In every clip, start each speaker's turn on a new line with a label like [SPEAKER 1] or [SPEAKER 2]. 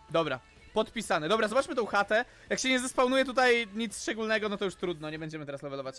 [SPEAKER 1] Dobra, podpisane. Dobra, zobaczmy tą chatę. Jak się nie zespawnuje tutaj nic szczególnego, no to już trudno, nie będziemy teraz levelować.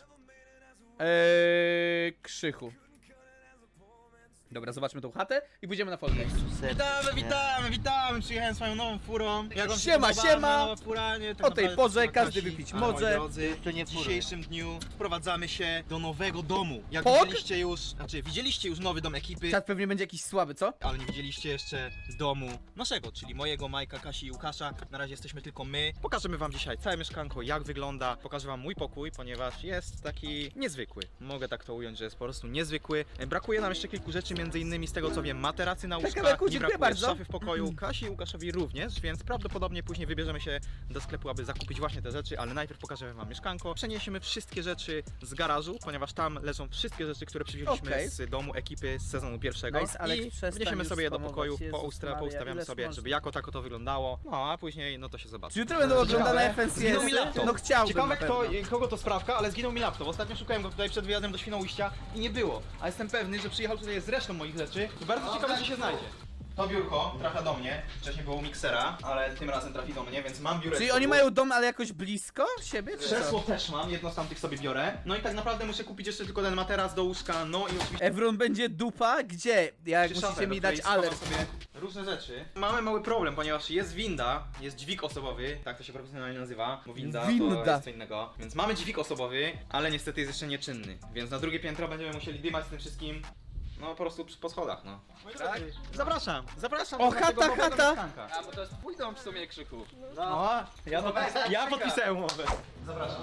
[SPEAKER 1] Krzychu. Dobra, zobaczmy tą chatę i pójdziemy na folder.
[SPEAKER 2] Witamy! Przyjechałem swoją nową furą. Jak wam się
[SPEAKER 1] Siema,
[SPEAKER 2] podoba
[SPEAKER 1] siema!
[SPEAKER 2] nowa fura, nie? Tak
[SPEAKER 1] O tej
[SPEAKER 2] naprawdę
[SPEAKER 1] porze
[SPEAKER 2] to
[SPEAKER 1] każdy
[SPEAKER 2] Kasi.
[SPEAKER 1] wypić
[SPEAKER 2] A,
[SPEAKER 1] może.
[SPEAKER 2] moi drodzy,
[SPEAKER 3] To nie
[SPEAKER 2] w
[SPEAKER 3] fura.
[SPEAKER 2] dzisiejszym dniu wprowadzamy się do nowego domu. Jak
[SPEAKER 1] Pok?
[SPEAKER 2] widzieliście już nowy dom ekipy,
[SPEAKER 1] Czat pewnie będzie jakiś słaby, co?
[SPEAKER 2] ale nie widzieliście jeszcze domu naszego, czyli mojego, Majka, Kasi i Łukasza. Na razie jesteśmy tylko my. Pokażemy wam dzisiaj całe mieszkanko, jak wygląda. Pokażę wam mój pokój, ponieważ jest taki niezwykły. Mogę tak to ująć, że jest po prostu niezwykły. Brakuje nam jeszcze kilku rzeczy, między innymi z tego co wiem, materacy na łóżka,
[SPEAKER 1] Kawałku,
[SPEAKER 2] nie
[SPEAKER 1] dziękuję
[SPEAKER 2] brakuje
[SPEAKER 1] bardzo.
[SPEAKER 2] szafy w pokoju, Kasi i Łukaszowi również, więc prawdopodobnie później wybierzemy się do sklepu, aby zakupić właśnie te rzeczy, ale najpierw pokażemy wam mieszkanko. Przeniesiemy wszystkie rzeczy z garażu, ponieważ tam leżą wszystkie rzeczy, które przywieźliśmy
[SPEAKER 1] Okej.
[SPEAKER 2] z domu ekipy z sezonu pierwszego.
[SPEAKER 1] Nice, Alex,
[SPEAKER 2] I
[SPEAKER 1] przestań
[SPEAKER 2] wniesiemy
[SPEAKER 1] już
[SPEAKER 2] sobie je do
[SPEAKER 1] spamować.
[SPEAKER 2] pokoju,
[SPEAKER 1] Jezus Maria,
[SPEAKER 2] poustawiamy
[SPEAKER 1] ileż
[SPEAKER 2] sobie,
[SPEAKER 1] można?
[SPEAKER 2] żeby jako tako to wyglądało. No a później no to się zobaczy.
[SPEAKER 1] Czy jutro będą oglądane
[SPEAKER 2] Ciekawe. Zginął mi
[SPEAKER 1] FNCS?
[SPEAKER 2] laptop.
[SPEAKER 1] No chciałbym
[SPEAKER 2] Ciekawe
[SPEAKER 1] na pewno.
[SPEAKER 2] kogo to sprawka, ale zginął mi laptop. Ostatnio szukałem go tutaj przed wyjazdem do Świnoujścia i nie było. A jestem pewny, że przyjechał tutaj z resztą moich rzeczy i bardzo ciekawe, czy się znajdzie. To biurko trafia do mnie. Wcześniej było u miksera, ale tym razem trafi do mnie, więc mam biureczko.
[SPEAKER 1] Czyli oni mają dom, ale jakoś blisko siebie, czy
[SPEAKER 2] Krzesło
[SPEAKER 1] co?
[SPEAKER 2] też mam, jedno z tamtych sobie biorę. No i tak naprawdę muszę kupić jeszcze tylko ten materac do łóżka, no i oczywiście
[SPEAKER 1] Evron będzie dupa? Gdzie? Jak
[SPEAKER 2] szafę,
[SPEAKER 1] musicie
[SPEAKER 2] do
[SPEAKER 1] mi dać
[SPEAKER 2] której schowam
[SPEAKER 1] alert.
[SPEAKER 2] sobie różne rzeczy. Mamy mały problem, ponieważ jest winda, jest dźwig osobowy, tak to się profesjonalnie nazywa, bo winda
[SPEAKER 1] Winda.
[SPEAKER 2] to jest co innego. Więc mamy dźwig osobowy, ale niestety jest jeszcze nieczynny. Więc na drugie piętro będziemy musieli dymać z tym wszystkim. No po prostu po schodach, no. Tak? Zapraszam.
[SPEAKER 1] O,
[SPEAKER 2] do tego nowego
[SPEAKER 1] chata.
[SPEAKER 2] mieszkanka.
[SPEAKER 4] A, bo to jest twój dom w sumie, Krzyku.
[SPEAKER 2] No, ja podpisałem umowę. Zapraszam.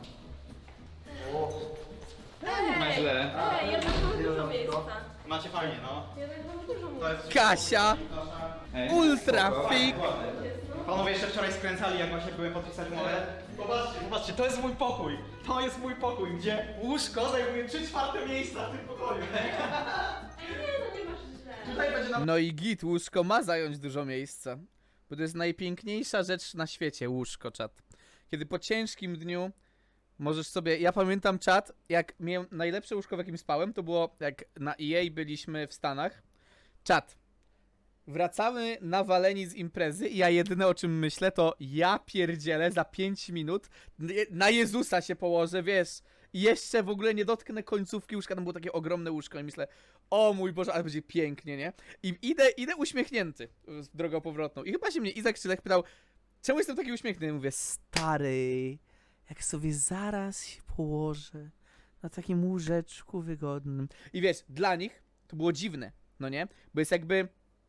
[SPEAKER 4] Źle.
[SPEAKER 5] Ej, jednak mamy dużo miejsca.
[SPEAKER 2] Macie fajnie, no.
[SPEAKER 5] Jednak mamy dużo miejsca.
[SPEAKER 2] To jest
[SPEAKER 1] Kasia! Ultra fit!
[SPEAKER 2] Panowie jeszcze wczoraj skręcali, jak właśnie byłem podpisać umowę. Popatrzcie, to jest mój pokój. To jest mój pokój, gdzie łóżko zajmuje 3/4 miejsca w tym pokoju.
[SPEAKER 5] Ej, nie, no nie masz źle.
[SPEAKER 2] Tutaj będzie na...
[SPEAKER 1] No i git, łóżko ma zająć dużo miejsca. Bo to jest najpiękniejsza rzecz na świecie, łóżko, czat. Kiedy po ciężkim dniu możesz sobie... Ja pamiętam, czat, jak miałem najlepsze łóżko, w jakim spałem, to było jak na EA byliśmy w Stanach. Czat. Wracamy nawaleni z imprezy i ja jedyne o czym myślę to ja pierdzielę za 5 minut na Jezusa się położę, wiesz, i jeszcze w ogóle nie dotknę końcówki łóżka, tam było takie ogromne łóżko i myślę, o mój Boże, ale będzie pięknie, nie? I idę uśmiechnięty z drogą powrotną i chyba się mnie Izak Szylek pytał, czemu jestem taki uśmiechnięty? Ja mówię, stary, jak sobie zaraz się położę na takim łóżeczku wygodnym. I wiesz, dla nich to było dziwne, no nie? Bo jest jakby...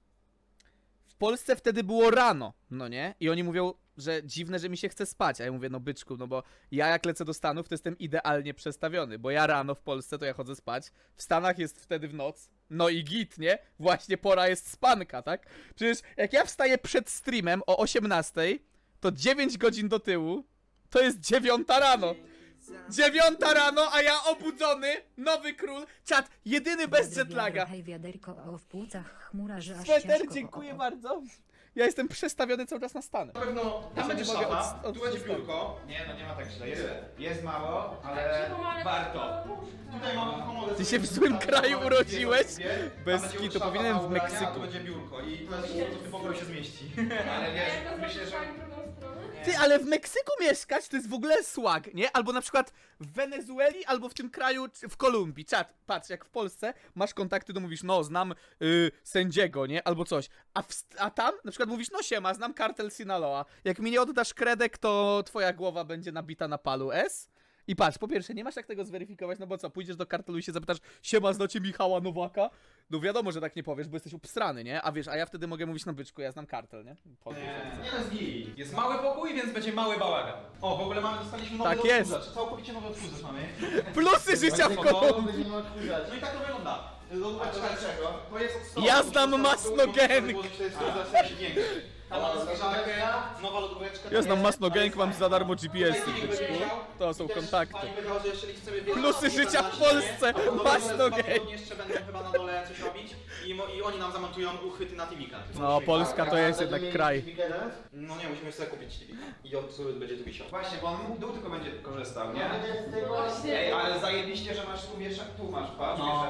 [SPEAKER 1] W Polsce wtedy było rano, no nie? I oni mówią, że dziwne, że mi się chce spać. A ja mówię, no byczku, no bo ja jak lecę do Stanów, to jestem idealnie przestawiony. Bo ja rano w Polsce to ja chodzę spać. W Stanach jest wtedy w noc. No i git, nie? Właśnie pora jest spanka, tak? Przecież jak ja wstaję przed streamem o 18, to 9 godzin do tyłu, to jest 9 rano. 9 rano, a ja obudzony, nowy król, czat, jedyny bez jetlaga.
[SPEAKER 6] Hej, wiaderko o w płucach chmura, że aż
[SPEAKER 1] Sweter,
[SPEAKER 6] ciężko,
[SPEAKER 1] dziękuję bardzo. Ja jestem przestawiony cały czas na Stany.
[SPEAKER 2] Na pewno tam będzie
[SPEAKER 1] nie mogę
[SPEAKER 2] szafa,
[SPEAKER 1] od-
[SPEAKER 2] tu będzie biurko. Nie, no nie ma tak źle, jest mało, ale
[SPEAKER 5] Czemu mamy
[SPEAKER 2] warto. Tutaj mamy komodę.
[SPEAKER 1] Ty się w złym kraju urodziłeś? Bez
[SPEAKER 2] Tam będzie
[SPEAKER 1] kitu,
[SPEAKER 2] szafa,
[SPEAKER 1] powinienem w
[SPEAKER 2] ubrania,
[SPEAKER 1] Meksyku.
[SPEAKER 2] a tu będzie biurko i to jest to w tym pokoju się zmieści.
[SPEAKER 4] Ale wiesz,
[SPEAKER 5] Jak to
[SPEAKER 4] myślę, że...
[SPEAKER 5] zrobić w drugą stronę?
[SPEAKER 1] Ty, ale w Meksyku mieszkać to jest w ogóle swag, nie? Albo na przykład w Wenezueli, albo w tym kraju, w Kolumbii. Czat, patrz, jak w Polsce masz kontakty, to mówisz, no, znam sędziego, nie? Albo coś. A tam na przykład mówisz, no siema, znam kartel Sinaloa. Jak mi nie oddasz kredek, to twoja głowa będzie nabita na palu S. I patrz, po pierwsze, nie masz jak tego zweryfikować, no bo co, pójdziesz do kartelu i się zapytasz, siema, znacie Michała Nowaka? No wiadomo, że tak nie powiesz, bo jesteś obstrany, nie? A wiesz, a ja wtedy mogę mówić, no byczku, ja znam kartel, nie?
[SPEAKER 2] Nie jest git. Jest mały pokój, więc będzie mały bałagan. O, w ogóle dostaliśmy nowy
[SPEAKER 1] Tak jest.
[SPEAKER 2] odkurzacz. Całkowicie nowy odkurzacz mamy.
[SPEAKER 1] Plusy życia w Kolumbii!
[SPEAKER 2] No i tak to wygląda. Lodóweczka to jest od stołu.
[SPEAKER 1] Ja znam
[SPEAKER 2] Muszę
[SPEAKER 1] Masno
[SPEAKER 2] to
[SPEAKER 1] Gang.
[SPEAKER 2] złożyć, to jest w sensie większy. Tam mamy zbliżarkę, nowa lodóweczka.
[SPEAKER 1] Ja znam Masno Gang, mam za darmo
[SPEAKER 2] Tutaj
[SPEAKER 1] GPS-y,
[SPEAKER 2] filmik
[SPEAKER 1] byczku.
[SPEAKER 2] będzie leciał.
[SPEAKER 1] To są
[SPEAKER 2] I też
[SPEAKER 1] kontakty.
[SPEAKER 2] pani powiedziała, że jeżeli chcemy więcej
[SPEAKER 1] Plusy
[SPEAKER 2] osób
[SPEAKER 1] życia
[SPEAKER 2] na
[SPEAKER 1] w
[SPEAKER 2] ścianie,
[SPEAKER 1] Polsce,
[SPEAKER 2] to dole
[SPEAKER 1] Masno
[SPEAKER 2] dwa
[SPEAKER 1] Gang.
[SPEAKER 2] tygodnie jeszcze będą chyba na dole coś robić i oni nam zamontują uchwyty na TV-ka.
[SPEAKER 1] No, Polska to jest jednak kraj.
[SPEAKER 2] No nie, musimy sobie kupić TV. I od będzie tu wisiał.
[SPEAKER 7] Właśnie, bo on dół tylko będzie korzystał, nie?
[SPEAKER 5] Właśnie.
[SPEAKER 7] Ej, ale zajebiście, że masz tu wieszak, tu masz, patrz,
[SPEAKER 2] No.
[SPEAKER 7] wieszaczki.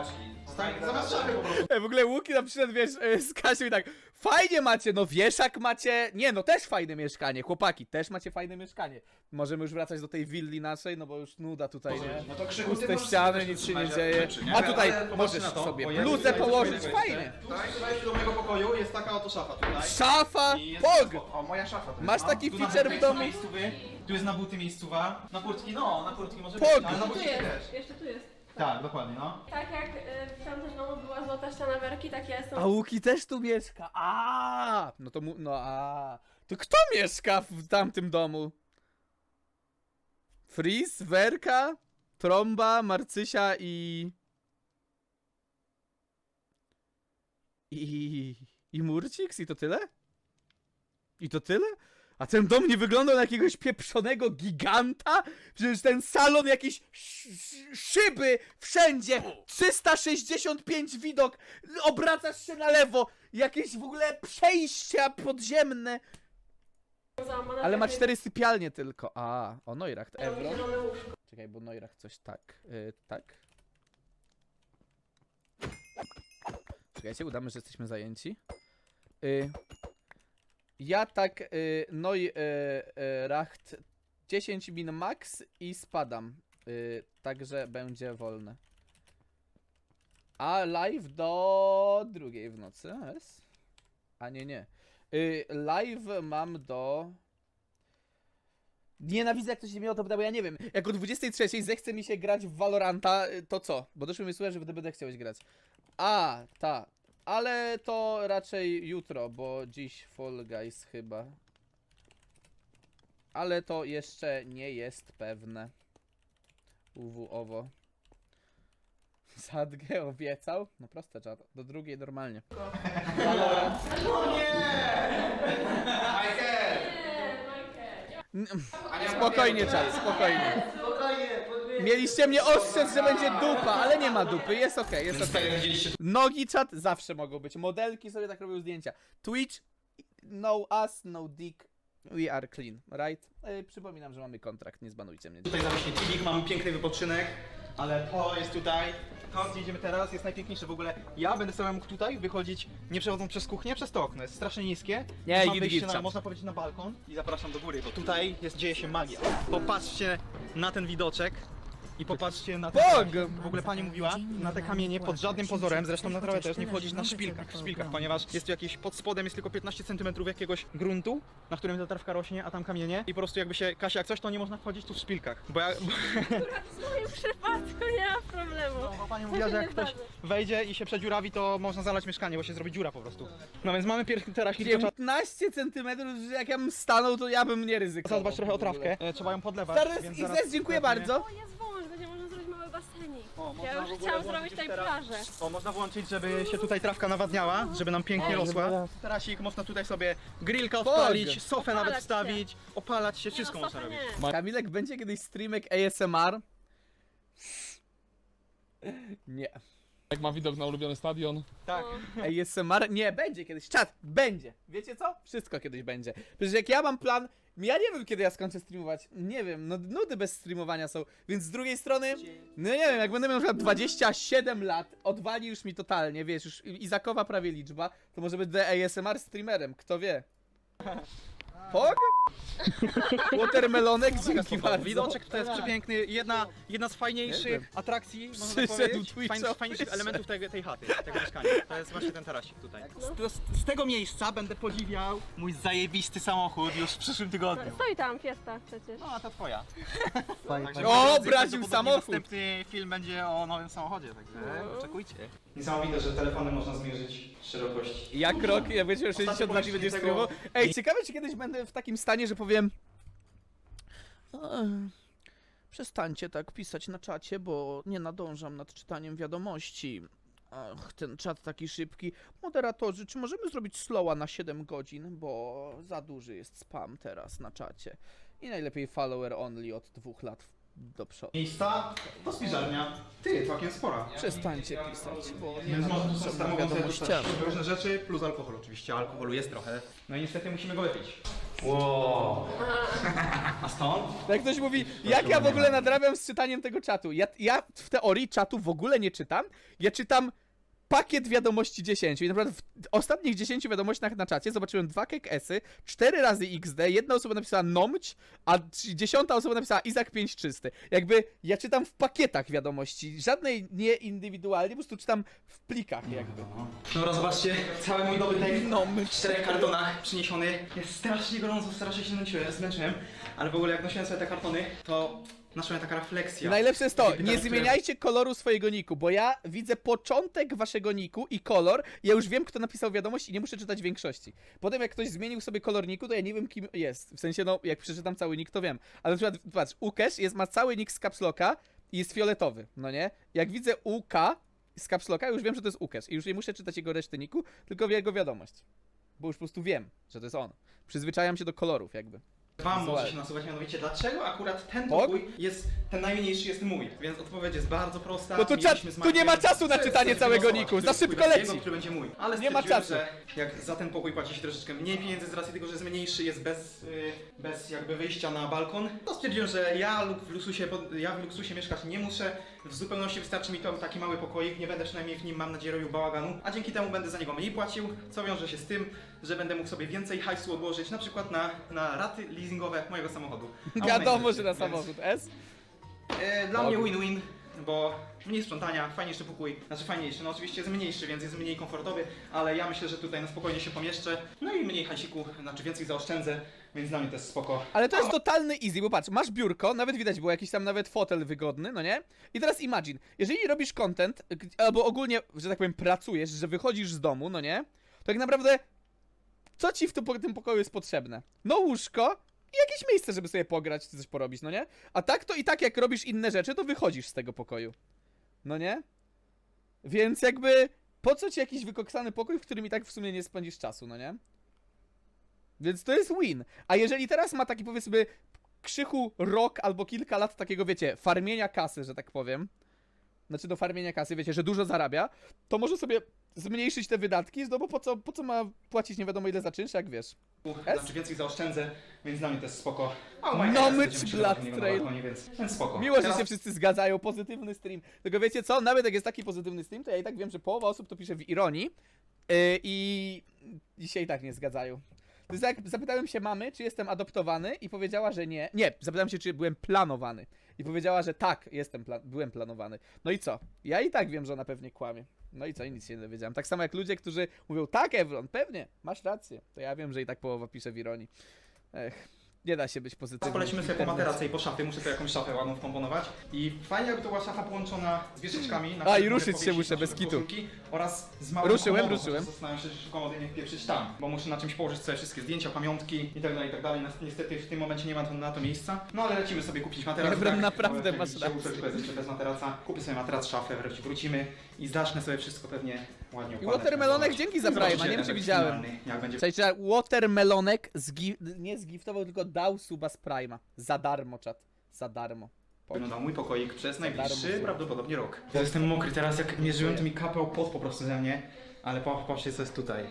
[SPEAKER 2] Zamiast szafy po prostu.
[SPEAKER 1] W ogóle Łuki nam przyszedł, wiesz, z Kasią i tak, fajnie macie, no wieszak macie, nie no, też fajne mieszkanie, chłopaki, też macie fajne mieszkanie. Możemy już wracać do tej willi naszej, no bo już nuda tutaj, nie?
[SPEAKER 2] No to Krzychu,
[SPEAKER 1] Puste ściany, nic się nie dzieje, a tutaj możesz sobie bluzę położyć, fajnie.
[SPEAKER 2] Tutaj do mojego pokoju jest taka oto szafa tutaj.
[SPEAKER 1] Szafa,
[SPEAKER 2] I jest
[SPEAKER 1] pog!
[SPEAKER 2] O, moja szafa. to
[SPEAKER 1] Masz
[SPEAKER 2] jest,
[SPEAKER 1] taki
[SPEAKER 2] Tu na
[SPEAKER 1] feature
[SPEAKER 2] buty
[SPEAKER 1] w
[SPEAKER 2] są
[SPEAKER 1] domu?
[SPEAKER 2] miejscowy, tu jest na buty miejscowa. Na kurtki, no, na kurtki może
[SPEAKER 1] Pog!
[SPEAKER 2] być, ale na
[SPEAKER 5] Tu
[SPEAKER 2] buty
[SPEAKER 5] jest,
[SPEAKER 2] też.
[SPEAKER 5] jeszcze tu jest.
[SPEAKER 2] Tak, dokładnie, no.
[SPEAKER 5] Tak jak w tamtym domu była złota ściana werki, tak ja jestem.
[SPEAKER 1] A Łuki też tu mieszka, no to to kto mieszka w tamtym domu? Fris, Werka, Tromba, Marcysia i Murcix? I to tyle? I to tyle? A ten dom nie wyglądał na jakiegoś pieprzonego giganta? Przecież ten salon, jakieś szyby wszędzie, 365 widok, obracasz się na lewo, jakieś w ogóle przejścia podziemne.
[SPEAKER 5] załamana,
[SPEAKER 1] Ale ma
[SPEAKER 5] tak
[SPEAKER 1] 4 sypialnie tylko. O Neuracht,
[SPEAKER 5] jak
[SPEAKER 1] Evro.
[SPEAKER 5] zielone łóżko.
[SPEAKER 1] Czekaj, bo Neuracht coś tak, tak. Czekajcie, udamy, że jesteśmy zajęci. Ja tak, Neuracht 10 min max i spadam. Także będzie wolne. A live do 2 w nocy, jest? A nie. Live mam do... Nienawidzę, jak ktoś się mnie o to pyta, bo ja nie wiem. Jak o 23 zechce mi się grać w Valoranta, to co? Bo doszły mi słowa, że wtedy będę chciałeś grać. Ale to raczej jutro, bo dziś Fall Guys chyba. Ale to jeszcze nie jest pewne. Owo. Sadgę obiecał? No proste, czat. Do 2 normalnie. Spokojnie, czat, spokojnie. Mieliście mnie ostrzec, że będzie dupa, ale nie ma dupy, jest okej, jest okej. Nogi, czat, zawsze mogą być. Modelki sobie tak robią zdjęcia. Twitch, no us, no dick, we are clean, right? Przypominam, że mamy kontrakt, nie zbanujcie mnie.
[SPEAKER 2] Tutaj zawiśnie TV, mamy piękny wypoczynek, ale to jest tutaj. Tam, gdzie idziemy teraz, jest najpiękniejsze w ogóle. Ja będę sobie mógł tutaj wychodzić, nie przechodząc przez kuchnię, przez to okno. Jest strasznie niskie.
[SPEAKER 1] Nie,
[SPEAKER 2] Mam
[SPEAKER 1] git,
[SPEAKER 2] wyjście
[SPEAKER 1] git,
[SPEAKER 2] na, można powiedzieć, na balkon i zapraszam do góry, bo tutaj dzieje się magia. Popatrzcie na ten widoczek. I popatrzcie na te,
[SPEAKER 1] Bog!
[SPEAKER 2] w ogóle pani mówiła, na te kamienie pod żadnym pozorem, zresztą na trawę też nie wchodzić na szpilkach, ponieważ jest tu jakieś, pod spodem jest tylko 15 cm jakiegoś gruntu, na którym ta trawka rośnie, a tam kamienie i po prostu jakby się, Kasia, jak coś, to nie można wchodzić tu w szpilkach, bo
[SPEAKER 5] W moim przypadku nie ma problemu.
[SPEAKER 2] bo pani mówiła, że jak ktoś wejdzie i się przedziurawi, to można zalać mieszkanie, bo się zrobi dziura po prostu. No więc mamy pierwszy terasik, tylko trzeba
[SPEAKER 1] 15 centymetrów, że jak ja bym stanął, to ja bym nie ryzykował.
[SPEAKER 2] zadbać trochę o trawkę, trzeba ją podlewać.
[SPEAKER 1] Stary,
[SPEAKER 2] więc
[SPEAKER 1] Izes, dziękuję bardzo.
[SPEAKER 5] O, jest wąż, będzie można zrobić mały basenik.
[SPEAKER 2] można
[SPEAKER 5] Ja
[SPEAKER 2] w
[SPEAKER 5] już
[SPEAKER 2] ogóle
[SPEAKER 5] chciałam
[SPEAKER 2] włączyć
[SPEAKER 5] zrobić tutaj
[SPEAKER 2] teraz-
[SPEAKER 5] plażę.
[SPEAKER 2] O, można włączyć, żeby się tutaj trawka nawadniała, żeby nam pięknie rosła. Tarasik, można tutaj sobie grillka odpalić, sofę nawet
[SPEAKER 5] Opalać się.
[SPEAKER 2] wstawić, opalać się, wszystko
[SPEAKER 5] Nie, no,
[SPEAKER 2] można
[SPEAKER 5] sofę
[SPEAKER 2] robić.
[SPEAKER 5] nie.
[SPEAKER 1] Kamilek, będzie kiedyś streamek ASMR? Nie.
[SPEAKER 3] Jak ma widok na ulubiony stadion.
[SPEAKER 2] Tak.
[SPEAKER 1] ASMR? Nie, będzie kiedyś. Czat, będzie. Wiecie co? Wszystko kiedyś będzie. Przecież jak ja mam plan, ja nie wiem kiedy ja skończę streamować. Nie wiem, no nudy bez streamowania są. Więc z drugiej strony, no nie wiem, jak będę miał na przykład 27 lat, odwali już mi totalnie, wiesz, już Izakowa prawie liczba, to może będę ASMR streamerem, kto wie. Pog? Watermelonek, dzięki bardzo.
[SPEAKER 2] Widoczek tutaj jest przepiękny, jedna z fajniejszych atrakcji, można tak
[SPEAKER 1] Przyszedł
[SPEAKER 2] powiedzieć,
[SPEAKER 1] Twitcha,
[SPEAKER 2] fajniejszych
[SPEAKER 1] wyszedł.
[SPEAKER 2] elementów tej chaty, tego mieszkania. To jest właśnie ten tarasik tutaj. Z tego miejsca będę podziwiał mój zajebisty samochód już w przyszłym tygodniu.
[SPEAKER 5] Stoi tam, Fiesta przecież.
[SPEAKER 2] No, a to twoja.
[SPEAKER 1] O, braził samochód.
[SPEAKER 2] Następny film będzie o nowym samochodzie, także oczekujcie. Niesamowite, że telefonem można zmierzyć szerokość.
[SPEAKER 1] Jak rok, ja wiecie, 60 lat i będzie streamował. Ej, ciekawe czy kiedyś będę w takim stanie, że powiem... Przestańcie tak pisać na czacie, bo nie nadążam nad czytaniem wiadomości. Ach, ten czat taki szybki. Moderatorzy, czy możemy zrobić slowa na 7 godzin? Bo za duży jest spam teraz na czacie. I najlepiej follower only od 2 lat do przodu.
[SPEAKER 2] Miejsca to spiżarnia. Ty, całkiem spora.
[SPEAKER 1] Przestańcie pisać, bo nie
[SPEAKER 2] Więc można
[SPEAKER 1] nadążam nad
[SPEAKER 2] samemu
[SPEAKER 1] wiadomościami.
[SPEAKER 2] różne rzeczy, plus alkohol oczywiście. Alkoholu jest trochę. No i niestety musimy go wypić. Wow. A stąd?
[SPEAKER 1] Jak ktoś mówi, jak ja w ogóle nadrabiam z czytaniem tego czatu? Ja w teorii czatu w ogóle nie czytam. Ja czytam pakiet wiadomości 10 i naprawdę w ostatnich 10 wiadomościach na czacie zobaczyłem 2 kekesy, 4 razy XD, jedna osoba napisała Nomć, a 10 osoba napisała Izak 5 czysty. Jakby ja czytam w pakietach wiadomości, żadnej nie indywidualnie, po prostu czytam w plikach jakby.
[SPEAKER 2] Dobra, zobaczcie, cały mój dobry tekst
[SPEAKER 1] Nomć.
[SPEAKER 2] w 4 kartonach przyniesiony. Jest strasznie gorąco, strasznie się zmęczyłem, ale w ogóle jak nosiłem sobie te kartony, to naszła mnie taka refleksja.
[SPEAKER 1] I najlepsze jest to,
[SPEAKER 2] Takie pytanie,
[SPEAKER 1] nie zmieniajcie koloru swojego niku, bo ja widzę początek waszego niku i kolor, ja już wiem, kto napisał wiadomość i nie muszę czytać większości. Potem jak ktoś zmienił sobie kolor niku, to ja nie wiem, kim jest. W sensie, no, jak przeczytam cały nick, to wiem. Ale na przykład, patrz, Ukesz ma cały nick z capslocka i jest fioletowy, no nie? Jak widzę UK z capslocka, już wiem, że to jest Ukesz i już nie muszę czytać jego reszty niku, tylko jego wiadomość. Bo już po prostu wiem, że to jest on. Przyzwyczajam się do kolorów jakby.
[SPEAKER 2] Wam może się nasuwać, mianowicie dlaczego akurat ten
[SPEAKER 1] Pok?
[SPEAKER 2] pokój jest, ten najmniejszy jest mój, więc odpowiedź jest bardzo prosta.
[SPEAKER 1] No to
[SPEAKER 2] Mieliśmy z
[SPEAKER 1] tu nie ma
[SPEAKER 2] Markiem
[SPEAKER 1] czasu na czytanie całego
[SPEAKER 2] głosować,
[SPEAKER 1] niku,
[SPEAKER 2] który
[SPEAKER 1] za szybko
[SPEAKER 2] będzie
[SPEAKER 1] leci.
[SPEAKER 2] jego, który będzie mój. Ale
[SPEAKER 1] Nie ma
[SPEAKER 2] stwierdziłem,
[SPEAKER 1] czasu.
[SPEAKER 2] że jak za ten pokój płaci się troszeczkę mniej pieniędzy z racji tego, że jest mniejszy, jest bez jakby wyjścia na balkon, to stwierdziłem, że ja w luksusie mieszkać nie muszę. W zupełności wystarczy mi to taki mały pokoik, nie będę przynajmniej w nim, mam nadzieję, robił bałaganu, a dzięki temu będę za niego mniej płacił, co wiąże się z tym, że będę mógł sobie więcej hajsu odłożyć, na przykład na raty leasingowe mojego samochodu. A
[SPEAKER 1] Wiadomo,
[SPEAKER 2] moment,
[SPEAKER 1] że na
[SPEAKER 2] więc,
[SPEAKER 1] samochód S.
[SPEAKER 2] Dla mnie win-win, bo mniej sprzątania, fajniejszy pokój, znaczy fajniejszy, no oczywiście jest mniejszy, więc jest mniej komfortowy, ale ja myślę, że tutaj na spokojnie się pomieszczę, no i mniej hajsiku, znaczy więcej zaoszczędzę, więc dla mnie to jest spoko.
[SPEAKER 1] Ale to jest totalny easy, bo patrz, masz biurko, nawet widać było jakiś tam nawet fotel wygodny, no nie? I teraz imagine, jeżeli robisz content, albo ogólnie, że tak powiem, pracujesz, że wychodzisz z domu, no nie? To tak naprawdę, co ci w tym pokoju jest potrzebne? No łóżko i jakieś miejsce, żeby sobie pograć, czy coś porobić, no nie? A tak to i tak jak robisz inne rzeczy, to wychodzisz z tego pokoju. No nie? Więc jakby, po co ci jakiś wykoksany pokój, w którym i tak w sumie nie spędzisz czasu, no nie? Więc to jest win. A jeżeli teraz ma taki, powiedzmy, krzychu rok albo kilka lat takiego, wiecie, farmienia kasy, że tak powiem, znaczy do farmienia kasy, wiecie, że dużo zarabia, to może sobie zmniejszyć te wydatki, no bo po co ma płacić nie wiadomo ile za czynsz, jak wiesz.
[SPEAKER 2] Znaczy więcej zaoszczędzę, więc dla mnie to jest spoko. A
[SPEAKER 1] No myć Blood Trail.
[SPEAKER 2] Więc spoko.
[SPEAKER 1] Miło, że
[SPEAKER 2] Teraz-
[SPEAKER 1] się wszyscy zgadzają, pozytywny stream. Tylko wiecie co, nawet jak jest taki pozytywny stream, to ja i tak wiem, że połowa osób to pisze w ironii i się i tak nie zgadzają. To jest jak zapytałem się mamy, czy jestem adoptowany i powiedziała, że nie. Nie, zapytałem się, czy byłem planowany. I powiedziała, że tak, byłem planowany. No i co? Ja i tak wiem, że ona pewnie kłamie. No i co? I nic się nie dowiedziałem. Tak samo jak ludzie, którzy mówią, tak Evron, pewnie, masz rację. To ja wiem, że i tak połowa pisze w ironii. Ech, nie da się być pozytywnym.
[SPEAKER 2] Polecimy sobie po materace i po szafie, muszę tu jakąś szafę ładną wkomponować. I fajnie jakby to była szafa połączona z wieżyczkami. na
[SPEAKER 1] A, i
[SPEAKER 2] których
[SPEAKER 1] ruszyć
[SPEAKER 2] mogę
[SPEAKER 1] się
[SPEAKER 2] powiesić
[SPEAKER 1] muszę,
[SPEAKER 2] na
[SPEAKER 1] bez
[SPEAKER 2] przykład
[SPEAKER 1] kitu.
[SPEAKER 2] koszulki Oraz z małym
[SPEAKER 1] Ruszyłem.
[SPEAKER 2] Zastanawiam się, czy komody nie wpieprzyć tam, bo muszę na czymś położyć sobie wszystkie zdjęcia, pamiątki i tak dalej, i tak dalej. Niestety w tym momencie nie ma na to miejsca. No ale lecimy sobie kupić materac.
[SPEAKER 1] Evron, naprawdę
[SPEAKER 2] bo
[SPEAKER 1] masz
[SPEAKER 2] jak
[SPEAKER 1] rację.
[SPEAKER 2] Tylko jest jeszcze bez materaca. Kupię sobie materac, szafę, wrócimy i zacznę sobie wszystko pewnie ładnie układać.
[SPEAKER 1] Watermelonek, dzięki za
[SPEAKER 2] Zobaczycie
[SPEAKER 1] Prima, nie wiem, czy
[SPEAKER 2] efekt
[SPEAKER 1] widziałem.
[SPEAKER 2] finalny, Jak będzie
[SPEAKER 1] Słuchajcie, Watermelonek nie zgiftował, tylko dał suba z Prima. Za darmo, czat. Za darmo.
[SPEAKER 2] wyglądał mój pokoik przez najbliższy
[SPEAKER 1] darmo.
[SPEAKER 2] prawdopodobnie rok. Ja jestem mokry teraz, jak mierzyłem, to mi kapał pot po prostu ze mnie, ale popatrzcie co jest tutaj.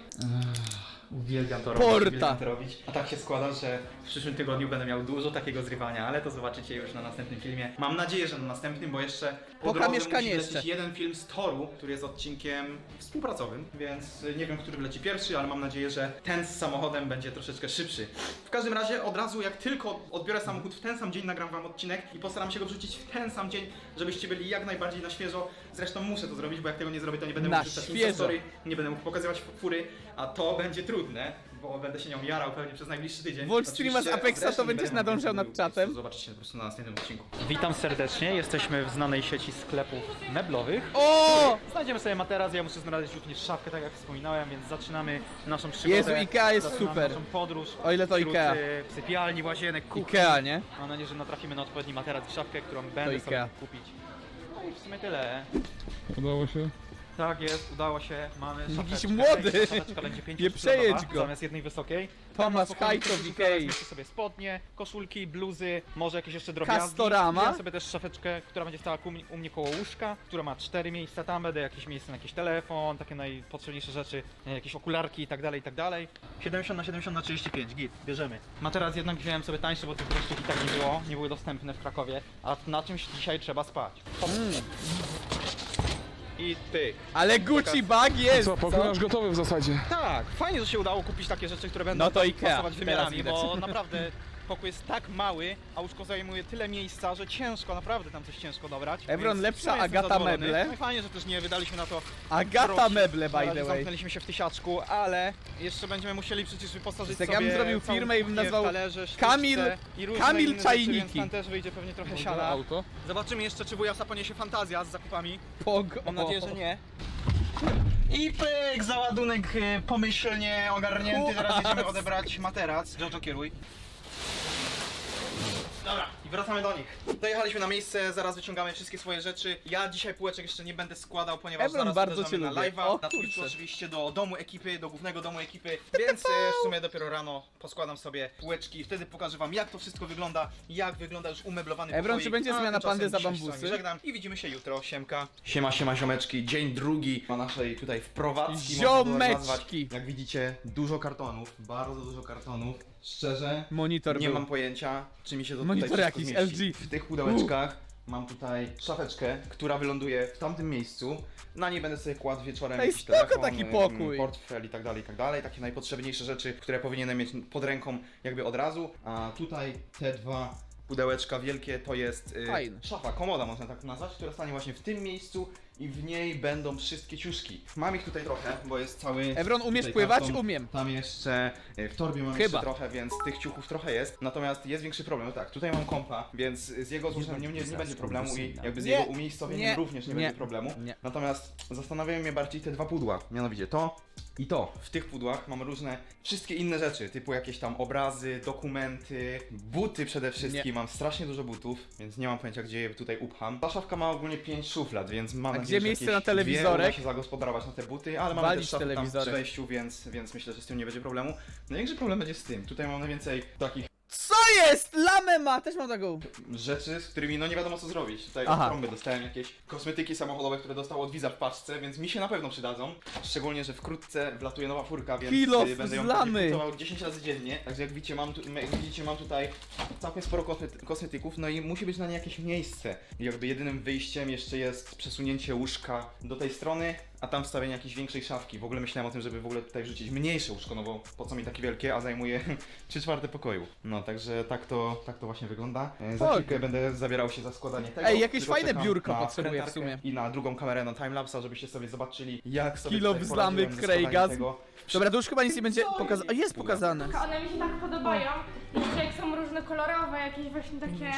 [SPEAKER 2] Uwielbiam to robić,
[SPEAKER 1] Porta.
[SPEAKER 2] uwielbiam to robić. A tak się składa, że w przyszłym tygodniu będę miał dużo takiego zrywania, ale to zobaczycie już na następnym filmie. Mam nadzieję, że na następnym, bo jeszcze po
[SPEAKER 1] Poka
[SPEAKER 2] drodze
[SPEAKER 1] mieszkanie
[SPEAKER 2] musi lecieć
[SPEAKER 1] jeszcze.
[SPEAKER 2] jeden film z Toru, który jest odcinkiem współpracowym, więc nie wiem, który leci pierwszy, ale mam nadzieję, że ten z samochodem będzie troszeczkę szybszy. W każdym razie od razu, jak tylko odbiorę samochód w ten sam dzień, nagram wam odcinek i postaram się go wrzucić w ten sam dzień, żebyście byli jak najbardziej na świeżo. Zresztą muszę to zrobić, bo jak tego nie zrobię, to nie będę
[SPEAKER 1] Na
[SPEAKER 2] mógł wrzucać
[SPEAKER 1] świeżo.
[SPEAKER 2] Instastory, nie będę mógł pokazywać fury, a to będzie trudne, bo będę się nią jarał pewnie przez najbliższy tydzień.
[SPEAKER 1] Włącz streama z
[SPEAKER 2] Oczywiście
[SPEAKER 1] Apexa, to
[SPEAKER 2] zresztą nie
[SPEAKER 1] będziesz
[SPEAKER 2] będę
[SPEAKER 1] nadążał
[SPEAKER 2] mówił,
[SPEAKER 1] nad czatem.
[SPEAKER 2] Zobaczycie po prostu na następnym odcinku. Witam serdecznie, jesteśmy w znanej sieci sklepów meblowych.
[SPEAKER 1] O!
[SPEAKER 2] Znajdziemy sobie materac, ja muszę znaleźć również szafkę, tak jak wspominałem, więc zaczynamy naszą przygodę.
[SPEAKER 1] Jezu, Ikea jest
[SPEAKER 2] zaczynamy
[SPEAKER 1] super.
[SPEAKER 2] naszą podróż.
[SPEAKER 1] O ile to
[SPEAKER 2] wśród,
[SPEAKER 1] Ikea.
[SPEAKER 2] Sypialni, łazienek, kuchni.
[SPEAKER 1] Ikea, nie?
[SPEAKER 2] Mam nadzieję, że natrafimy na odpowiedni materac i szafkę, którą będę sobie
[SPEAKER 1] Ikea.
[SPEAKER 2] kupić. No i w sumie tyle.
[SPEAKER 3] Udało się?
[SPEAKER 2] Tak jest, udało się, mamy
[SPEAKER 1] Jakiś
[SPEAKER 2] szafeczkę.
[SPEAKER 1] młody.
[SPEAKER 2] Szafeczka będzie
[SPEAKER 1] Nie przejedź go.
[SPEAKER 2] zamiast jednej wysokiej.
[SPEAKER 1] Tomasz
[SPEAKER 2] Spokojnie
[SPEAKER 1] Hajto w
[SPEAKER 2] sobie
[SPEAKER 1] Ikei.
[SPEAKER 2] weźmiecie sobie spodnie, koszulki, bluzy, może jakieś jeszcze drobiazgi.
[SPEAKER 1] Castorama.
[SPEAKER 2] Wziąłem sobie też szafeczkę, która będzie stała u mnie koło łóżka, która ma 4 miejsca, tam będę jakieś miejsce na jakiś telefon, takie najpotrzebniejsze rzeczy, jakieś okularki i tak dalej, i tak dalej. 70 na 70 na 35, git, bierzemy. Materac jednak wziąłem sobie tańszy, bo tych gościów i tak nie było, nie były dostępne w Krakowie, a na czymś dzisiaj trzeba spać. i pyk.
[SPEAKER 1] Ale Gucci bag jest!
[SPEAKER 3] Co, pokój nasz gotowy w zasadzie.
[SPEAKER 2] Tak, fajnie, że się udało kupić takie rzeczy, które będą
[SPEAKER 1] No to Ikea,
[SPEAKER 2] pasować wymiarami,
[SPEAKER 1] teraz
[SPEAKER 2] bo naprawdę pokój jest tak mały, a łóżko zajmuje tyle miejsca, że ciężko, naprawdę tam coś ciężko dobrać.
[SPEAKER 1] Evron,
[SPEAKER 2] więc
[SPEAKER 1] lepsza
[SPEAKER 2] no, jestem
[SPEAKER 1] Agata
[SPEAKER 2] zadowolony.
[SPEAKER 1] meble.
[SPEAKER 2] No i fajnie, że też nie wydaliśmy na to
[SPEAKER 1] Agata
[SPEAKER 2] groszy.
[SPEAKER 1] meble,
[SPEAKER 2] Na
[SPEAKER 1] by
[SPEAKER 2] razie
[SPEAKER 1] the way.
[SPEAKER 2] zamknęliśmy się w tysiaczku, ale jeszcze będziemy musieli przecież wyposażyć
[SPEAKER 1] Tak
[SPEAKER 2] sobie
[SPEAKER 1] ja bym zrobił
[SPEAKER 2] całą
[SPEAKER 1] firmę i bym
[SPEAKER 2] kuchnię w
[SPEAKER 1] nazwał
[SPEAKER 2] talerze,
[SPEAKER 1] Kamil-
[SPEAKER 2] sztuczce i różne
[SPEAKER 1] Kamil
[SPEAKER 2] inne rzeczy,
[SPEAKER 1] Czajniki.
[SPEAKER 2] więc tam też wyjdzie pewnie trochę
[SPEAKER 3] Może
[SPEAKER 2] siana.
[SPEAKER 3] auto.
[SPEAKER 2] Zobaczymy jeszcze, czy wujasa poniesie fantazja z zakupami.
[SPEAKER 1] Pog.
[SPEAKER 2] Mam nadzieję, że nie. I pyk, załadunek pomyślnie ogarnięty. Teraz jedziemy odebrać materac. Jojo, kieruj. Dobra, i wracamy do nich. Dojechaliśmy na miejsce, zaraz wyciągamy wszystkie swoje rzeczy. Ja dzisiaj półeczek jeszcze nie będę składał, ponieważ
[SPEAKER 1] Evron,
[SPEAKER 2] zaraz
[SPEAKER 1] bardzo
[SPEAKER 2] uderzamy
[SPEAKER 1] cię
[SPEAKER 2] na
[SPEAKER 1] lubię.
[SPEAKER 2] live'a.
[SPEAKER 1] O,
[SPEAKER 2] Na Twitchu
[SPEAKER 1] kurczę.
[SPEAKER 2] oczywiście do domu ekipy, do głównego domu ekipy, więc w sumie dopiero rano poskładam sobie półeczki i wtedy pokażę wam, jak to wszystko wygląda, jak wygląda już umeblowany
[SPEAKER 1] Evron,
[SPEAKER 2] pokoik.
[SPEAKER 1] czy będzie
[SPEAKER 2] A
[SPEAKER 1] zmiana
[SPEAKER 2] tymczasem
[SPEAKER 1] pandy za
[SPEAKER 2] dzisiaj się z wami
[SPEAKER 1] bambusy?
[SPEAKER 2] Żegnam i widzimy się jutro, siemka. Siema, siema, ziomeczki, dzień drugi na naszej tutaj wprowadzki.
[SPEAKER 1] Ziomeczki.
[SPEAKER 2] Jak widzicie, dużo kartonów, bardzo dużo kartonów. Szczerze,
[SPEAKER 1] Monitor
[SPEAKER 2] nie
[SPEAKER 1] był.
[SPEAKER 2] mam pojęcia, czy mi się to
[SPEAKER 1] Monitor
[SPEAKER 2] tutaj wszystko
[SPEAKER 1] jakiś
[SPEAKER 2] zmieści.
[SPEAKER 1] LG.
[SPEAKER 2] W tych pudełeczkach mam tutaj szafeczkę, która wyląduje w tamtym miejscu. Na niej będę sobie kładł wieczorem
[SPEAKER 1] Ej,
[SPEAKER 2] jakiś
[SPEAKER 1] spoko
[SPEAKER 2] telefon,
[SPEAKER 1] taki pokój.
[SPEAKER 2] portfel i tak dalej, i tak dalej. Takie najpotrzebniejsze rzeczy, które powinienem mieć pod ręką jakby od razu. A tutaj te dwa pudełeczka wielkie to jest
[SPEAKER 1] Fajne.
[SPEAKER 2] szafa, komoda można tak nazwać, która stanie właśnie w tym miejscu i w niej będą wszystkie ciuszki. Mam ich tutaj trochę, bo jest cały...
[SPEAKER 1] Evron, umiesz
[SPEAKER 2] tutaj
[SPEAKER 1] pływać?
[SPEAKER 2] karton.
[SPEAKER 1] Umiem.
[SPEAKER 2] Tam jeszcze w torbie mam
[SPEAKER 1] Chyba.
[SPEAKER 2] jeszcze trochę, więc tych ciuchów trochę jest. Natomiast jest większy problem. No tak, tutaj mam kompa, więc z jego złożeniem nie będzie problemu i jakby z
[SPEAKER 1] Nie,
[SPEAKER 2] jego umiejscowieniem
[SPEAKER 1] nie,
[SPEAKER 2] również nie
[SPEAKER 1] nie,
[SPEAKER 2] będzie problemu.
[SPEAKER 1] nie.
[SPEAKER 2] Natomiast zastanawiają mnie bardziej te dwa pudła, mianowicie to i to. W tych pudłach mam różne, wszystkie inne rzeczy, typu jakieś tam obrazy, dokumenty, buty przede wszystkim.
[SPEAKER 1] Nie.
[SPEAKER 2] Mam strasznie dużo butów, więc nie mam pojęcia, gdzie je tutaj upcham. Ta szafka ma ogólnie 5 szuflad, więc mam
[SPEAKER 1] A
[SPEAKER 2] nadzieję,
[SPEAKER 1] gdzie
[SPEAKER 2] że
[SPEAKER 1] miejsce
[SPEAKER 2] jakieś
[SPEAKER 1] na telewizorek?
[SPEAKER 2] dwie uda się zagospodarować na te buty, ale mamy
[SPEAKER 1] Walić
[SPEAKER 2] też szafę tam
[SPEAKER 1] telewizorek.
[SPEAKER 2] przy wejściu, więc myślę, że z tym nie będzie problemu. Największy problem będzie z tym. Tutaj mam najwięcej takich
[SPEAKER 1] Co jest? Lamę ma! Też mam taką.
[SPEAKER 2] rzeczy, z którymi no nie wiadomo co zrobić. Tutaj
[SPEAKER 1] Aha.
[SPEAKER 2] od trąby dostałem jakieś kosmetyki samochodowe, które dostał od Wiza w paczce, więc mi się na pewno przydadzą. Szczególnie, że wkrótce wlatuje nowa furka, więc
[SPEAKER 1] Kilo
[SPEAKER 2] będę ją
[SPEAKER 1] z lamy.
[SPEAKER 2] pewnie kupował 10 razy dziennie. Także jak widzicie, mam tutaj całkiem sporo kosmetyków, no i musi być na nie jakieś miejsce. I jakby jedynym wyjściem jeszcze jest przesunięcie łóżka do tej strony, a tam wstawienie jakiejś większej szafki. W ogóle myślałem o tym, żeby w ogóle tutaj wrzucić mniejsze łóżko, no bo po co mi takie wielkie, a zajmuje 3/4 pokoju. No także tak to właśnie wygląda. Za
[SPEAKER 1] Oj.
[SPEAKER 2] chwilkę będę zabierał się za składanie tego.
[SPEAKER 1] Ej, jakieś
[SPEAKER 2] tylko
[SPEAKER 1] fajne
[SPEAKER 2] czekam
[SPEAKER 1] biurko
[SPEAKER 2] na
[SPEAKER 1] potrzebuję w
[SPEAKER 2] wkrętarkę
[SPEAKER 1] sumie.
[SPEAKER 2] I na drugą kamerę na timelapsa, żebyście sobie zobaczyli, jak sobie
[SPEAKER 1] Kilo
[SPEAKER 2] tutaj
[SPEAKER 1] wzlamy
[SPEAKER 2] poradziłem ze składaniem
[SPEAKER 1] Craiga.
[SPEAKER 2] tego.
[SPEAKER 1] Dobra, to już chyba nic nie będzie pokazane. Jest pokazane.
[SPEAKER 5] One mi się tak podobają. Jeszcze jak są różnokolorowe, jakieś właśnie takie...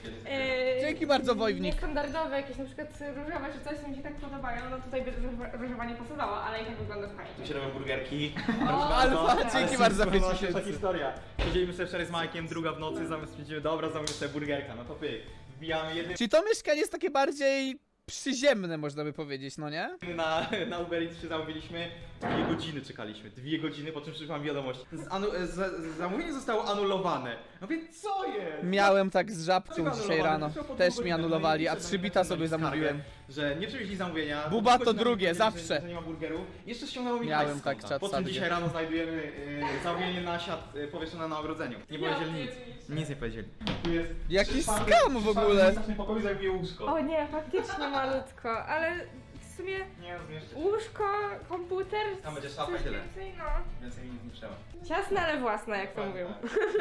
[SPEAKER 1] Dzięki bardzo, Wojwnik.
[SPEAKER 5] Niestandardowe, jakieś na przykład różowe czy coś, to mi się tak podobają. No tutaj by różowa nie pasowało, ale i tak wygląda
[SPEAKER 2] Tu
[SPEAKER 5] fajnie.
[SPEAKER 2] się robią burgerki.
[SPEAKER 1] Alfa, dzięki bardzo za 5
[SPEAKER 2] Ta
[SPEAKER 1] tysięcy.
[SPEAKER 2] historia. Siedzieliśmy sobie wczoraj z Majkiem, druga w nocy, zamiast stwierdzimy, dobra, zamówimy sobie burgerka, no to pyk. Wbijamy jednym
[SPEAKER 1] Czyli to mieszkanie jest takie bardziej przyziemne, można by powiedzieć, no nie?
[SPEAKER 2] na Uber Eats się zamówiliśmy, 2 godziny czekaliśmy, 2 godziny, po czym przyszłam wiadomość. Zamówienie zostało anulowane. No więc co jest?
[SPEAKER 1] Miałem tak z żabką
[SPEAKER 2] Dlaczego
[SPEAKER 1] dzisiaj
[SPEAKER 2] anulowane?
[SPEAKER 1] rano.
[SPEAKER 2] Przyszło po
[SPEAKER 1] Też
[SPEAKER 2] 2
[SPEAKER 1] mi
[SPEAKER 2] godzinach,
[SPEAKER 1] anulowali,
[SPEAKER 2] no
[SPEAKER 1] a
[SPEAKER 2] i
[SPEAKER 1] 3 bita
[SPEAKER 2] napisałem
[SPEAKER 1] sobie
[SPEAKER 2] skargę,
[SPEAKER 1] zamówiłem.
[SPEAKER 2] Że nie przywieźli zamówienia.
[SPEAKER 1] Buba to
[SPEAKER 2] Godzina
[SPEAKER 1] drugie,
[SPEAKER 2] że
[SPEAKER 1] zawsze.
[SPEAKER 2] Że nie ma burgeru. Jeszcze ściągnęło mi
[SPEAKER 1] Miałem
[SPEAKER 2] hajs z
[SPEAKER 1] tak
[SPEAKER 2] konta.
[SPEAKER 1] czat
[SPEAKER 2] Po czym
[SPEAKER 1] sadnie.
[SPEAKER 2] dzisiaj rano znajdujemy zamówienie na siat powieszone na ogrodzeniu. Nie powiedzieli nic. Nic nie powiedzieli. Tu jest
[SPEAKER 1] Jaki
[SPEAKER 2] szafy-
[SPEAKER 1] skam w ogóle.
[SPEAKER 2] szafy, następny pokoju zajmuje łóżko.
[SPEAKER 5] O nie, faktycznie malutko, ale w sumie
[SPEAKER 2] Nie zmieszczę.
[SPEAKER 5] łóżko, komputer,
[SPEAKER 2] Tam będzie szafa
[SPEAKER 5] coś
[SPEAKER 2] i tyle.
[SPEAKER 5] więcej, no.
[SPEAKER 2] Więcej mi nic nie trzeba.
[SPEAKER 5] Ciasne, ale własne, jak to mówią.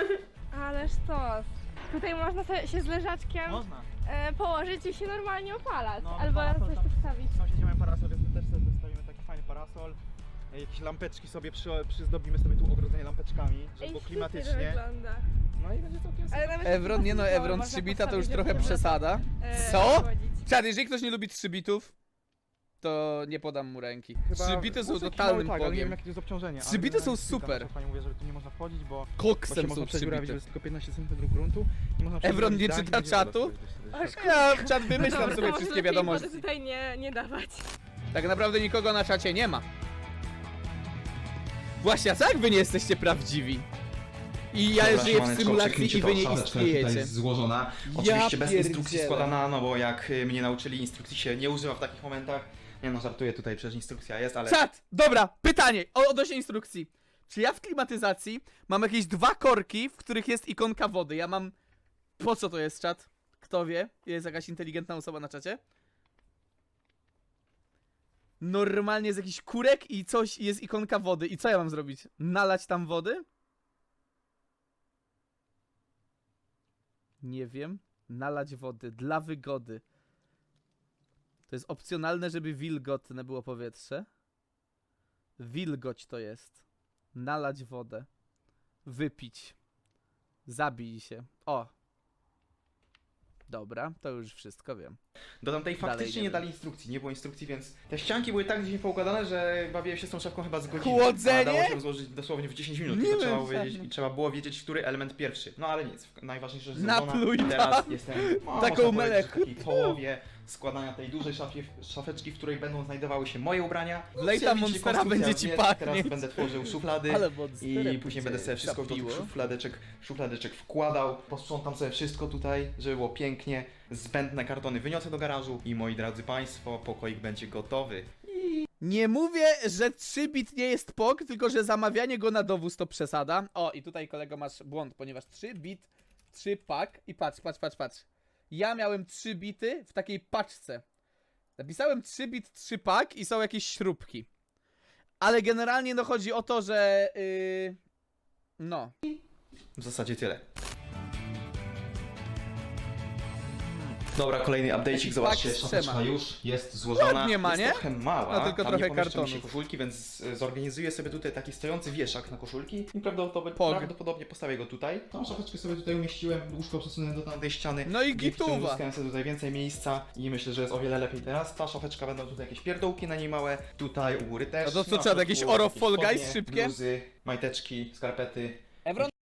[SPEAKER 5] Ależ to. Tutaj można sobie się z leżaczkiem
[SPEAKER 2] Można.
[SPEAKER 5] położyć i się normalnie opalać.
[SPEAKER 2] No,
[SPEAKER 5] Albo
[SPEAKER 2] parasol
[SPEAKER 5] coś
[SPEAKER 2] tam-
[SPEAKER 5] tu wstawić.
[SPEAKER 2] Sąsiedzi mają parasol, więc my też sobie dostawimy taki fajny parasol. Jakieś lampeczki sobie przyzdobimy sobie tu ogrodzenie lampeczkami, żeby
[SPEAKER 5] Ej,
[SPEAKER 2] było
[SPEAKER 5] świetnie
[SPEAKER 2] klimatycznie.
[SPEAKER 5] to wygląda.
[SPEAKER 2] No i będzie całkiem
[SPEAKER 5] Ale nawet
[SPEAKER 1] Evron, nie no,
[SPEAKER 5] takiego
[SPEAKER 1] Evron,
[SPEAKER 5] można
[SPEAKER 1] 3 bita to już
[SPEAKER 5] postawić,
[SPEAKER 1] trochę
[SPEAKER 5] żeby
[SPEAKER 1] przesada.
[SPEAKER 5] e,
[SPEAKER 1] Co?
[SPEAKER 5] chodzić.
[SPEAKER 1] Czad, jeżeli ktoś nie lubi 3 bitów, to nie podam mu ręki. 3 bity są totalnym
[SPEAKER 2] tak, ale nie wiem
[SPEAKER 1] bogiem.
[SPEAKER 2] jakie to jest obciążenie.
[SPEAKER 1] 3 bity są super.
[SPEAKER 2] Pani mówi, że tu nie można wchodzić, bo się
[SPEAKER 1] Koksem
[SPEAKER 2] można
[SPEAKER 1] są 3
[SPEAKER 2] przedziurawić, że
[SPEAKER 1] bity.
[SPEAKER 2] jest tylko 15 cm gruntu. I można
[SPEAKER 1] Evron nie
[SPEAKER 2] przedziurawić
[SPEAKER 1] czyta
[SPEAKER 2] dach i będzie
[SPEAKER 1] czatu?
[SPEAKER 2] woda wtedy.
[SPEAKER 1] Ja czat wymyślam
[SPEAKER 5] Dobra, to
[SPEAKER 1] sobie
[SPEAKER 5] może
[SPEAKER 1] wszystkie
[SPEAKER 5] lepiej
[SPEAKER 1] wiadomości.
[SPEAKER 5] wody tutaj nie dawać.
[SPEAKER 1] Tak naprawdę nikogo na czacie nie ma. Właśnie, a co jak wy nie jesteście prawdziwi? I ja
[SPEAKER 2] Dobra,
[SPEAKER 1] żyję w
[SPEAKER 2] siemaneczko,
[SPEAKER 1] symulacji
[SPEAKER 2] przeknijcie
[SPEAKER 1] i
[SPEAKER 2] to,
[SPEAKER 1] wy nie
[SPEAKER 2] szafeczka tutaj
[SPEAKER 1] istniejecie.
[SPEAKER 2] jest złożona.
[SPEAKER 1] Ja
[SPEAKER 2] Oczywiście bez instrukcji
[SPEAKER 1] pierdzielę.
[SPEAKER 2] składana, no bo jak mnie nauczyli, instrukcji się nie używa w takich momentach. Nie no, żartuję tutaj, przecież instrukcja jest, ale...
[SPEAKER 1] Czat! Dobra, pytanie odnośnie instrukcji. Czy ja w klimatyzacji mam jakieś 2 korki, w których jest ikonka wody? Ja mam... Po co to jest, czat? Kto wie? Jest jakaś inteligentna osoba na czacie? Normalnie jest jakiś kurek i coś, jest ikonka wody. I co ja mam zrobić? Nalać tam wody? Nie wiem. Nalać wody dla wygody. To jest opcjonalne, żeby wilgotne było powietrze. Wilgoć to jest. Nalać wodę. Wypić. Zabij się. O. Dobra, to już wszystko wiem.
[SPEAKER 2] Do tamtej
[SPEAKER 1] Dalej
[SPEAKER 2] faktycznie
[SPEAKER 1] nie
[SPEAKER 2] nie
[SPEAKER 1] wiem.
[SPEAKER 2] dali instrukcji, nie było instrukcji, więc te ścianki były tak gdzieś poukładane, że bawiłem się z tą szafką chyba z godzinę.
[SPEAKER 1] Chłodzenie?
[SPEAKER 2] A dało się rozłożyć dosłownie w 10 minut,
[SPEAKER 1] Nie
[SPEAKER 2] tylko
[SPEAKER 1] wiem,
[SPEAKER 2] trzeba było,
[SPEAKER 1] żadne.
[SPEAKER 2] wiedzieć, i trzeba było wiedzieć, który element pierwszy. No ale nic, najważniejsze, że
[SPEAKER 1] Napluj
[SPEAKER 2] zrobiona. Teraz
[SPEAKER 1] tam.
[SPEAKER 2] jestem
[SPEAKER 1] Taką
[SPEAKER 2] można powiedzieć, w
[SPEAKER 1] melech.
[SPEAKER 2] takiej połowie składania tej dużej szafeczki, w której będą znajdowały się moje ubrania.
[SPEAKER 1] Wlej tam
[SPEAKER 2] Widzicie,
[SPEAKER 1] Monstera,
[SPEAKER 2] konstrukcja
[SPEAKER 1] będzie ci
[SPEAKER 2] jest,
[SPEAKER 1] pachnieć.
[SPEAKER 2] Teraz będę tworzył szuflady.
[SPEAKER 1] Ale Monsterem
[SPEAKER 2] I później
[SPEAKER 1] cię
[SPEAKER 2] będę sobie wszystko do tych
[SPEAKER 1] zapiło.
[SPEAKER 2] szufladeczek wkładał, posprzątam sobie wszystko tutaj, żeby było pięknie, zbędne kartony wyniosę do garażu i moi drodzy państwo, pokoik będzie gotowy.
[SPEAKER 1] Nie mówię, że 3-bit nie jest POG, tylko że zamawianie go na dowóz to przesada. O, i tutaj kolego masz błąd, ponieważ 3-bit, 3 pak i patrz. Ja miałem 3 bity w takiej paczce. Napisałem 3-bit, 3 pak i są jakieś śrubki. Ale generalnie no chodzi o to, że no.
[SPEAKER 2] W zasadzie tyle. Dobra, kolejny update'cik, zobaczcie,
[SPEAKER 1] pak z
[SPEAKER 2] szafeczka
[SPEAKER 1] trzema.
[SPEAKER 2] już jest złożona.
[SPEAKER 1] Ładnie ma,
[SPEAKER 2] jest
[SPEAKER 1] nie?
[SPEAKER 2] trochę mała,
[SPEAKER 1] No, tylko
[SPEAKER 2] tam
[SPEAKER 1] trochę
[SPEAKER 2] nie pomieszczą mi się
[SPEAKER 1] kartonów.
[SPEAKER 2] koszulki, więc zorganizuję sobie tutaj taki stojący wieszak na koszulki i
[SPEAKER 1] Pog.
[SPEAKER 2] prawdopodobnie postawię go tutaj. Tą szafeczkę sobie tutaj umieściłem, łóżko przesunę do tamtej ściany.
[SPEAKER 1] No i
[SPEAKER 2] Dzięki czemu
[SPEAKER 1] gituwa.
[SPEAKER 2] Uzyskałem sobie tutaj więcej miejsca i myślę, że jest o wiele lepiej teraz. Ta szafeczka będą tutaj jakieś pierdołki na niej małe, tutaj u góry też.
[SPEAKER 1] No to co,
[SPEAKER 2] Na
[SPEAKER 1] trzeba
[SPEAKER 2] środku
[SPEAKER 1] jakieś Oro
[SPEAKER 2] jakieś
[SPEAKER 1] Fall Guys
[SPEAKER 2] spodnie,
[SPEAKER 1] szybkie?
[SPEAKER 2] bluzy, majteczki, skarpety.
[SPEAKER 1] Evron